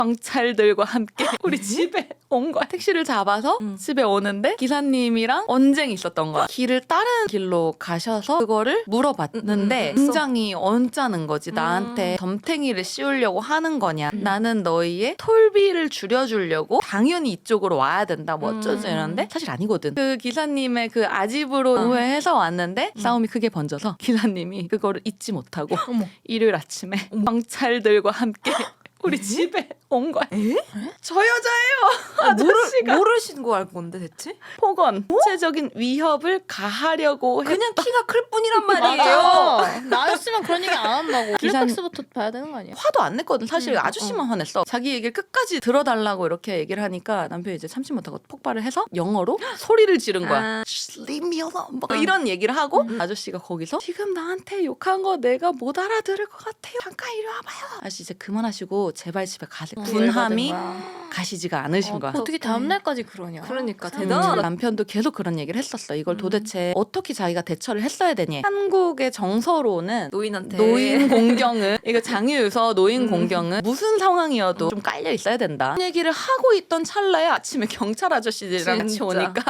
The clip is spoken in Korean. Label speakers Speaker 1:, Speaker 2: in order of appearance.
Speaker 1: 경찰들과 함께 우리 집에 온 거야. 택시를 잡아서 집에 오는데 기사님이랑 언쟁이 있었던 거야. 길을 다른 길로 가셔서 그거를 물어봤는데 굉장히 언짢은 거지. 나한테 덤탱이를 씌우려고 하는 거냐. 나는 너희의 톨비를 줄여주려고 당연히 이쪽으로 와야 된다. 뭐 어쩌지 이러는데 사실 아니거든. 그 기사님의 그 아집으로 우회해서 왔는데 싸움이 크게 번져서 기사님이 그거를 잊지 못하고 일요일 아침에 경찰들과 함께 우리 집에 온 거야. 저 여자예요. 아저씨가
Speaker 2: 뭐를 신고할 건데 대체?
Speaker 1: 폭언, 구체적인 위협을 가하려고
Speaker 2: 그냥 키가 클 뿐이란 말이에요.
Speaker 3: 맞아. 나였으면 그런 얘기 안 한다고.
Speaker 1: 기사-
Speaker 3: 블랙박스부터 봐야 되는 거 아니야?
Speaker 1: 화도 안 냈거든. 사실 아저씨만 화냈어. 자기 얘기를 끝까지 들어달라고 이렇게 얘기를 하니까 남편이 이제 참지 못하고 폭발을 해서 영어로 소리를 지른 거야. Just leave me alone. 막 이런 얘기를 하고 아저씨가 거기서 지금 나한테 욕한 거 내가 못 알아들을 것 같아요. 잠깐 이리 와봐요. 아저씨 이제 그만하시고 제발 집에 가세요. 분함이 가시지가 않으신 거야.
Speaker 3: 어떻게 다음날까지 그러냐.
Speaker 2: 그러니까
Speaker 1: 음,
Speaker 2: 대단하다.
Speaker 1: 남편도 계속 그런 얘기를 했었어. 이걸 도대체 어떻게 자기가 대처를 했어야 되니? 한국의 정서로는
Speaker 2: 노인한테
Speaker 1: 노인 공경은 이거 장유유서 노인 공경은 무슨 상황이어도 좀 깔려 있어야 된다. 그 얘기를 하고 있던 찰나에 아침에 경찰 아저씨들이랑 같이
Speaker 2: 진짜.
Speaker 1: 오니까